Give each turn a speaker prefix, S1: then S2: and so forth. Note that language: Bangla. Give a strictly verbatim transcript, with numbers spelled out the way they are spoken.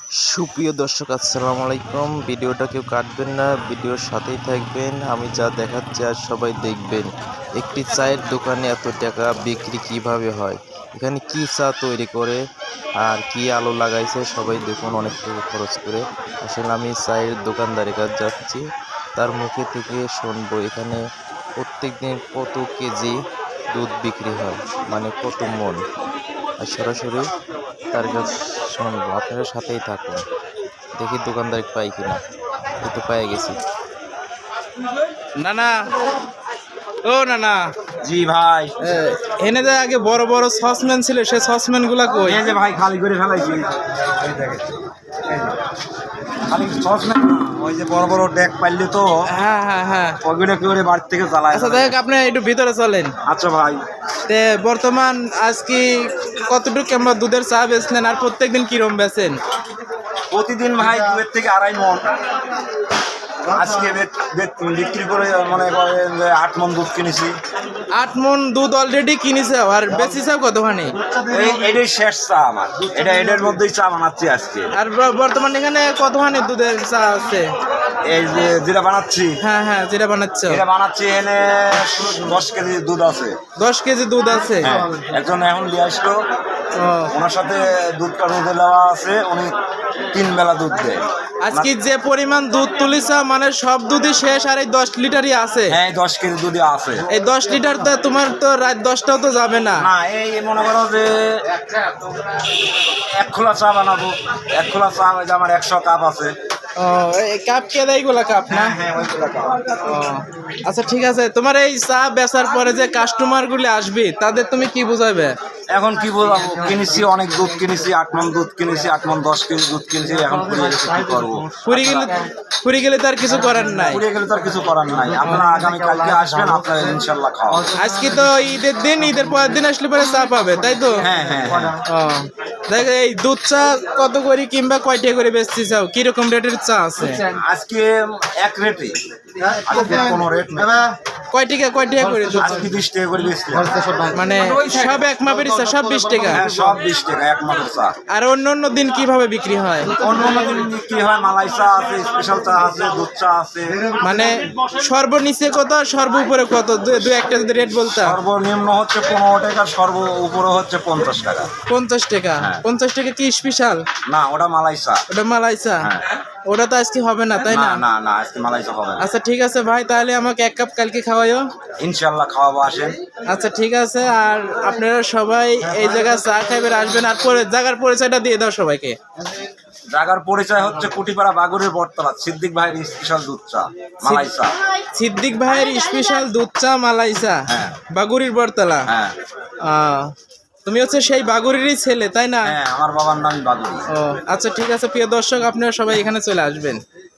S1: সুপ্রিয় দর্শক আসসালামু আলাইকুম। ভিডিওটা কেউ কাটবেন না, ভিডিওর সাথেই থাকবেন। আমি যা দেখাচ্ছি আর সবাই দেখবেন। একটি চায়ের দোকানে এত টাকা বিক্রি কিভাবে হয়, এখানে কি চা তৈরি করে আর কি আলো লাগাইছে সবাই দেখুন, অনেক টাকা খরচ করে। আসলে আমি চায়ের দোকানদারের কাছে যাচ্ছি, তার মুখে থেকে শুনবো এখানে প্রত্যেক দিন কত কেজি দুধ বিক্রি হয়, মানে কত মন। আর সরাসরি তার কাছে শুনবো, আপনারা সাথেই থাকুন। দেখি দোকানদার পাই কিনা। এই তো পেয়ে গেছি।
S2: না না ও না না
S3: জি ভাই,
S2: এনে যে আগে বড় বড় সসম্যান ছিল, সে সসম্যান গুলা কই?
S3: এই যে ভাই খালি করে ফেলাইছি। এই দেখেন, এই যে খালি সস না, ওই যে বড় বড় ডেক পাইলে তো
S2: হ্যাঁ হ্যাঁ হ্যাঁ
S3: ওইগুলো কি করে বাড়ি থেকে জ্বালায়।
S2: আচ্ছা দেখ, আপনি একটু ভিতরে চলেন।
S3: আচ্ছা ভাই,
S2: তে বর্তমান আজ কি কতটুকু আমরা দুধের চা বেচলেন আর প্রত্যেকদিন কিরম বেচেন?
S3: প্রতিদিন ভাই দুয়ের থেকে আড়াই মন। আজকে বে- বে- বিক্রি করে মনে করেন যে আট মন দুধ কিনেছি।
S2: আট মন দুধ অলরেডি কিনেছে আর বেচিছে কতখানি?
S3: এই এটাই শেষ চা আমার, এটা এটার মধ্যেই চা বানাচ্ছি আজকে।
S2: আর ব- বর্তমান এখানে কতখানি দুধের চা আছে?
S3: এই যে যেটা বানাচ্ছি,
S2: হ্যাঁ হ্যাঁ যেটা বানাচ্ছ,
S3: এটা বানাচ্ছি এনে দশ কেজি দুধ আছে।
S2: দশ কেজি দুধ আছে।
S3: হ্যাঁ, একজন এখন নিয়ে আসলো,
S2: ও,
S3: ওনার সাথে দুধটা রোদে দেওয়া আছে, উনি তিন বেলা দুধ দেয়।
S2: আজকে যে পরিমাণ দুধ তুলিছা মানে সব দুধই শেষ আর এই দশ লিটারই আছে।
S3: হ্যাঁ, দশ কেজি দুধই আছে।
S2: এই দশ লিটার তো তোমার তো রাত দশটাও তো যাবে না।
S3: না, এই মনে করো যে এক খোলা চা বানাবো, এক খোলা চা ওই যে আমার একশো কাপ আছে।
S2: ও, এই কাপ কে দেয় এগুলা কাপ না?
S3: হ্যাঁ, ওই খোলা কাপ।
S2: ও, আচ্ছা ঠিক আছে। তোমার এই চা বেচার পরে যে কাস্টমার গুলি আসবে তাদের তুমি কি বুঝাবে?
S3: এখন কি বলবো, কিনেছি অনেক দুধ কিনেছি, আট মন দুধ কিনেছি, আট মন দশ কেজি দুধ কিনেছি। এখন পুড়িয়ে গেছে, কি করবো?
S2: ফুরি গেলে ফুরি গেলে তার কিছু করার নাই।
S3: পুড়িয়ে গেলে তো আর কিছু করার নাই। আপনারা আগামী কালকে আসবেন, আপনারা ইনশাল্লাহ খাওয়া।
S2: আজকে তো ঈদের দিন, ঈদের পরের দিন আসলে পরে চা পাবে, তাই তো?
S3: হ্যাঁ হ্যাঁ হ্যাঁ।
S2: ও, দেখ এই দুধ চা কত করে কিংবা কয়টা করে বেচতে চাও, কিরকম রেটের চা আছে?
S3: আজকে এক রেটে, আজকে কোনো রেট নেই।
S2: কয় টাকা কয় টাকা করে দুধ চা?
S3: আজকে বিশ টাকা করে বেচছি।
S2: মানে সব এক মাপের চা, সব বিশ টাকা?
S3: হ্যাঁ, সব বিশ টাকা এক মাত্র চা।
S2: আর অন্য অন্য দিন কিভাবে বিক্রি হয়?
S3: অন্য অন্য দিন বিক্রি হয় মালাই চা আছে, স্পেশাল চা আছে, দুধ চা আছে।
S2: মানে সর্বনিচে কত আর সর্ব উপরে কত, দু- দু একটা যদি রেট বলতা।
S3: সর্বনিম্ন হচ্ছে পনেরো টাকা, সর্ব উপরে হচ্ছে পঞ্চাশ টাকা।
S2: পঞ্চাশ টাকা?
S3: হ্যাঁ।
S2: পঞ্চাশ টাকা কি স্পেশাল?
S3: না, ওটা মালাই চা।
S2: ওটা মালাই চা?
S3: হ্যাঁ।
S2: ওটা তো আজকে হবে না, তাই
S3: না
S2: না?
S3: না না, আজকে মালাই চা হবে না।
S2: আচ্ছা ঠিক আছে ভাই, তাহলে আমাকে এক কাপ কালকে খাওয়াইও।
S3: ইনশাল্লাহ খাওয়াবো, আসেন।
S2: আচ্ছা ঠিক আছে। আর আপনারা সবাই এই জায়গায় চা খাইবেন, আসবেন। আর পরে জায়গার পরিচয়টা দিয়ে দাও সবাইকে।
S3: জায়গার পরিচয় হচ্ছে কুটিপাড়া বাগুরের বটতলা, সিদ্দিক ভাইয়ের স্পেশাল দুধ চা মালাই চা।
S2: সিদ্দিক ভাইয়ের স্পেশাল দুধ চা মালাই চা,
S3: হ্যাঁ।
S2: বাগুড়ির বটতলা।
S3: হ্যাঁ
S2: আহ, তুমি হচ্ছে সেই বাগুড়িরই ছেলে, তাই না?
S3: হ্যাঁ, আমার বাবার নাম বাগুরি।
S2: ও আচ্ছা ঠিক আছে। প্রিয় দর্শক, আপনারা সবাই এখানে চলে আসবেন।